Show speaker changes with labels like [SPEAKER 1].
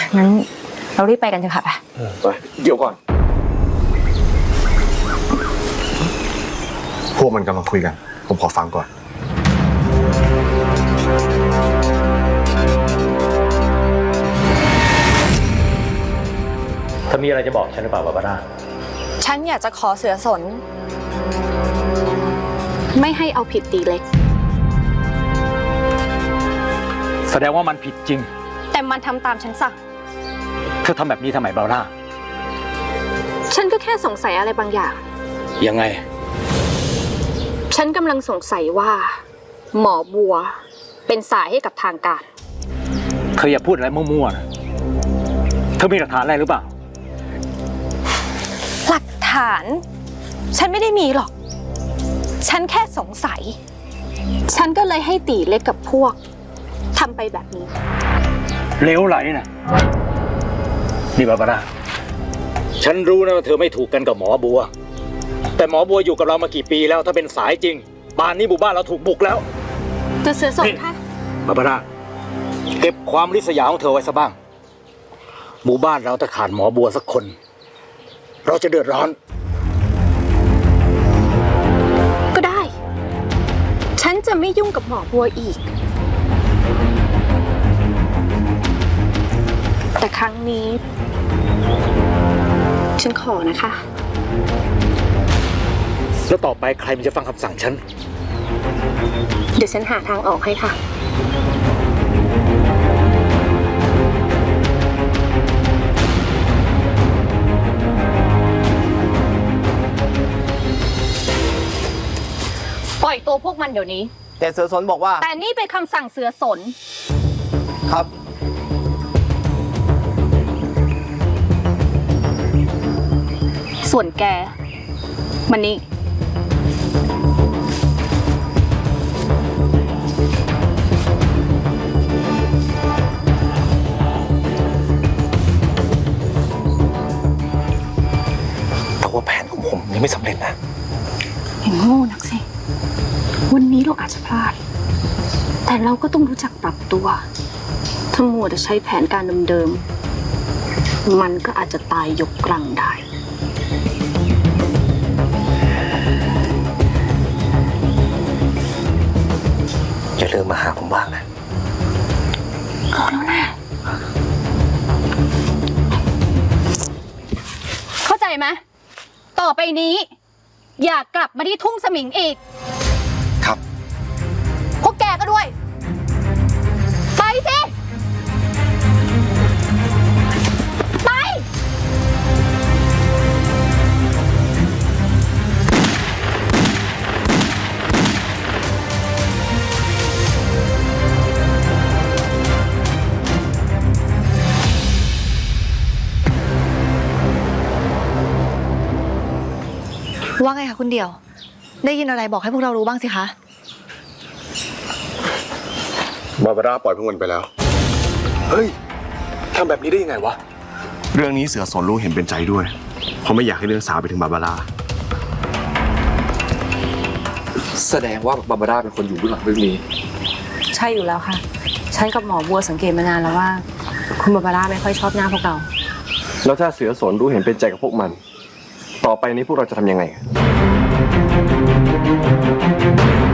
[SPEAKER 1] งั้นเรารีบไปกันเถอะค่ะไป
[SPEAKER 2] เดี๋ยวก่อนพวกมันกำลังคุยกันผมขอฟังก่อน
[SPEAKER 3] ถ้ามีอะไรจะบอกฉันหรือเปล่าบาบาร่า
[SPEAKER 4] ฉันอยากจะขอเสือสนไม่ให้เอาผิดตีเล็ก
[SPEAKER 3] แสดงว่ามันผิดจริง
[SPEAKER 4] แต่มันทำตามฉันสั่ง
[SPEAKER 3] เธอทำแบบนี้ทำไมบาบาร่า
[SPEAKER 4] ฉันก็แค่สงสัยอะไรบางอย่าง
[SPEAKER 3] ยังไง
[SPEAKER 4] ฉันกำลังสงสัยว่าหมอบัวเป็นสายให้กับทางการ
[SPEAKER 3] เธออย่าพูดอะไรมั่วๆนะเธอมีหลักฐานอะไรหรือเปล่า
[SPEAKER 4] หลักฐานฉันไม่ได้มีหรอกฉันแค่สงสัยฉันก็เลยให้ตีเล็กกับพวกทำไปแบบนี้
[SPEAKER 3] เลวไหลนะนี่บาบาร่าฉันรู้นะว่าเธอไม่ถูกกันกับหมอบัวแต่หมอบัวอยู่กับเรามากี่ปีแล้วถ้าเป็นสายจริงป่านนี้หมู่บ้านเราถูกบุกแล้ว
[SPEAKER 4] ตัวเสือสนค่ะ
[SPEAKER 3] บาบาร่าเก็บความริษยาของเธอไว้ซะบ้างหมู่บ้านเราถ้าขาดหมอบัวสักคนเราจะเดือดร้อน
[SPEAKER 4] ก็ได้ฉันจะไม่ยุ่งกับหมอบัวอีกแต่ครั้งนี้ฉันขอนะคะ
[SPEAKER 3] แล้วต่อไปใครมันจะฟังคำสั่งฉัน
[SPEAKER 4] เดี๋ยวฉันหาทางออกให้ค่ะปล่อยตัวพวกมันเดี๋ยวนี้
[SPEAKER 5] แต่เสือสนบอกว่า
[SPEAKER 4] แต่นี่เป็นคำสั่งเสือสน
[SPEAKER 5] ครับ
[SPEAKER 4] ส่วนแกมันนี่
[SPEAKER 2] แต่ว่าแผนของผมยังไม่สำเร็จนะ
[SPEAKER 4] อย่างโง่นักสิวันนี้เราอาจจะพลาดแต่เราก็ต้องรู้จักปรับตัวถ้ามัวแต่ใช้แผนการเดิมๆมันก็อาจจะตายยกกลังได้
[SPEAKER 2] อย่าลืมมาหาผมบ้างนะ
[SPEAKER 4] รู้แล้วนะเข้าใจไหมต่อไปนี้อย่ากลับมาที่ทุ่งสมิงอีก
[SPEAKER 2] ครับ
[SPEAKER 4] พวกแกก็ด้วยไปสิไป
[SPEAKER 1] ว่าไงคะคุณเดี่ยวได้ยินอะไรบอกให้พวกเรารู้บ้างสิคะ
[SPEAKER 2] บาบาร่าปล่อยพวกมันไปแล้วเฮ้ยทำแบบนี้ได้ยังไงวะเรื่องนี้เสือสนรู้เห็นเป็นใจด้วยเพราะไม่อยากให้เรื่องสาวไปถึงบาบาร่า
[SPEAKER 5] แสดงว่าบาบาร่าเป็นคนอยู่เบื้องหลังเรื่องนี้
[SPEAKER 1] ใช่อยู่แล้วค่ะฉันกับหมอบัวสังเกตมานานแล้วว่าคุณบาบาร่าไม่ค่อยชอบหน้าพวกเรา
[SPEAKER 2] แล้วถ้าเสือสนรู้เห็นเป็นใจกับพวกมันต่อไปนี้พวกเราจะทำยังไง